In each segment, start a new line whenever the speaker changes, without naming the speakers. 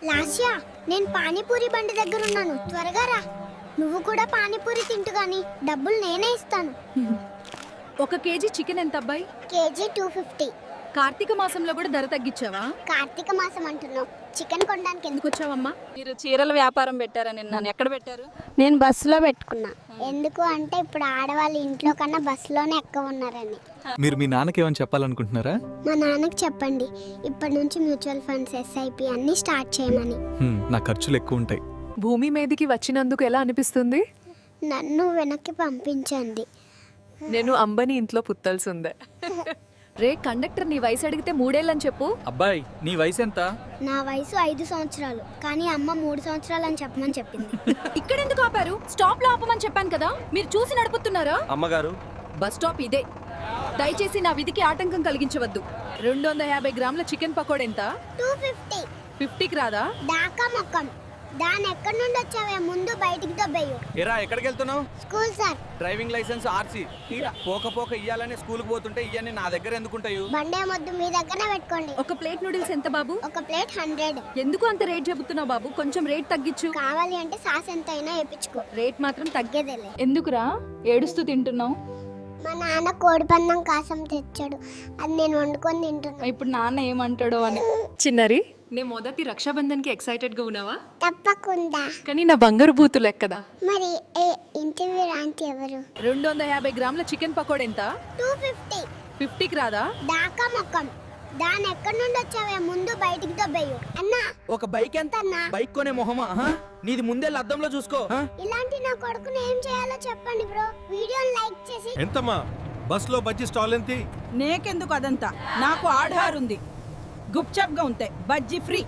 లాస్యా, నేను పానీపూరి బండి దగ్గర ఉన్నాను, త్వరగా రా. నువ్వు కూడా పానీపూరి తింటు గాని డబ్బులు నేనే ఇస్తాను.
1 కేజీ చికెన్ ఎంత అబ్బాయి?
కేజీ 250.
కార్తీక మాసంలో కూడా ధర తగ్గించావా?
కార్తీక మాసం అంటున్నావు, చికెన్ కొనడానికి
ఎందుకు వచ్చావమ్మా?
మీరు చీరల వ్యాపారం పెట్టారని నన్ను ఎక్కడ పెట్టారు?
నేను బస్సులో పెట్టుకున్నా. ఎందుకు అంటే ఇప్పుడు ఆడవాళ్ళు ఇంట్లో కన్నా బస్సులోనే ఎక్కువ ఉన్నారని.
మీరు మీ నాన్నకి ఏమని చెప్పాలనుకుంటున్నారా?
మా నాన్నకి చెప్పండి ఇప్పటి నుంచి మ్యూచువల్ ఫండ్స్, SIP అన్నీ స్టార్ట్ చేయమని.
నా ఖర్చులు ఎక్కువ ఉంటాయి.
భూమి మీదకి వచ్చినందుకు ఎలా అనిపిస్తుంది?
నన్ను వెనక్కి పంపించండి.
నేను అంబని ఇంట్లో పుత్తాల్సిందే.
రే కండక్టర్, నీ వయసు అడిగితే 3 ఏళ్ళని చెప్పు.
అబ్బాయి, నీ వయసు ఎంత?
నా వయసు 5 సంవత్సరాలు, కానీ అమ్మ 3 సంవత్సరాలు అని చెప్పమని చెప్పింది.
ఇక్కడ ఎందుకు ఆపారు? స్టాప్ లో ఆపమని చెప్పాను కదా, మీరు చూసి నడుపుతున్నారా?
అమ్మగారు,
బస్ స్టాప్ ఇదే. దయచేసి నా విధికి ఆటంకం కలిగించవద్దు. 250 గ్రాముల చికెన్ పకోడా ఎంత?
250.
50కి రాదా?
దాకా మొక్కం. దాని ఎక్కడి నుండి వచ్చావే, ముందు బయటికి దొబ్బేయు.
ఎరా ఎక్కడికి వెళ్తున్నావు?
School sir.
Driving licence RC పోక ఇయ్యాలని స్కూల్కి పోతుంటే ఇవన్నీ నా దగ్గర ఎందుకుంటాయి?
బండే మొద్దు మీ దగ్గరనే పెట్టుకోండి.
ఒక ప్లేట్ నూడిల్స్ ఎంత బాబు?
ఒక ప్లేట్ 100.
ఎందుకు అంత రేట్ చెబుతున్నావు బాబు? కొంచెం రేట్ తగ్గించు.
కావాలి అంటే సాస్ ఎంత అయినా వేపించుకో,
రేట్ మాత్రం
తగ్గేదేలే.
ఎందుకురా ఏడుస్తూ తింటున్నావు?
మా నాన్న కోడి పందం కాసం తెచ్చాడు, అది నేను వండుకొని తింటున్నా.
ఇప్పుడు నాన్న ఏమంటాడో అని.
చిన్నరి, నే మొదటి రక్షాబంధన్ కి ఎక్సైటెడ్ గా ఉన్నావా?
తప్పకుండా.
కానీ నా బంగారు బూతులు ఎక్కదా?
మరి ఇంటర్వ్యూ రాంటి ఎవరు?
250 గ్రాముల చికెన్ పకోడా ఎంత?
250.
50కి రాదా?
దాకా మొక్కం. దాని ఎక్కడి నుండి వచ్చావే, ముందు బయటికి దొబ్బేయు. అన్నా,
ఒక బైక్ ఎంత?
అన్నా,
బైక్ కొనే మొహమా? నీది ముందే అద్దంలో చూసుకో.
ఇలాంటి నా కొడుకుని ఏం చేయాలో చెప్పండి బ్రో. వీడియోని లైక్ చేసి.
ఎంతమ్మా బస్ లో బజ్జీ స్టాల్ ఎంత?
నేకెందుకు అదంతా, నాకు ఆధార్ ఉంది. గుప్చప్గా ఉంటాయి, బజ్జీ ఫ్రీ.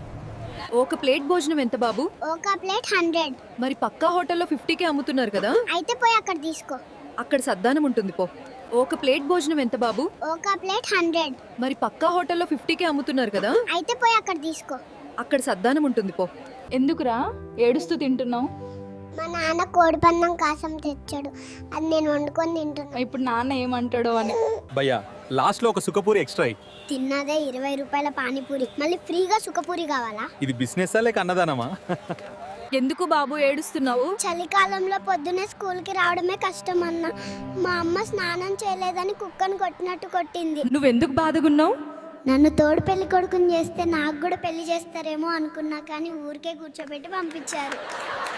ఒక ప్లేట్ భోజనం ఎంత బాబు?
ఒక ప్లేట్ 100.
మరి పక్కా హోటల్లో 50కే అమ్ముతున్నారు కదా?
అయితే పోయి అక్కడ తీసుకో.
అక్కడ సద్దానం ఉంటుంది పో. ఒక ప్లేట్ భోజనం ఎంత బాబు?
ఒక ప్లేట్ 100.
మరి పక్కా హోటల్లో 50కే అమ్ముతున్నారు కదా?
అయితే పోయి అక్కడ తీసుకో.
అక్కడ సద్దానం ఉంటుంది పో.
ఎందుకురా ఏడుస్తూ తింటున్నావు?
మా నాన్న కోడి పందం కాసం తెచ్చాడు, అది నేను వండుకొని తింటున్నా.
ఇప్పుడు నాన్న ఏమంటాడో అని.
భయ్యా, లాస్ట్ లో ఒక సుఖపూరి ఎక్స్ట్రా.
తిన్నదే 20 రూపాయల పానీపూరి, మళ్ళీ ఫ్రీగా సుఖపూరి కావాలా?
ఇది బిజినెస్ లేక అన్నదానమా?
ఎందుకు బాబు ఏడుస్తున్నావు?
చలికాలంలో పొద్దునే స్కూల్కి రావడమే కష్టం అన్న. మా అమ్మ స్నానం చేయలేదని కుక్కను కొట్టినట్టు కొట్టింది.
నువ్వెందుకు బాధగున్నావు?
నన్ను తోడు పెళ్లి కొడుకుని చేస్తే నాకు కూడా పెళ్లి చేస్తారేమో అనుకున్నా, కానీ ఊరికే కూర్చోబెట్టి పంపించారు.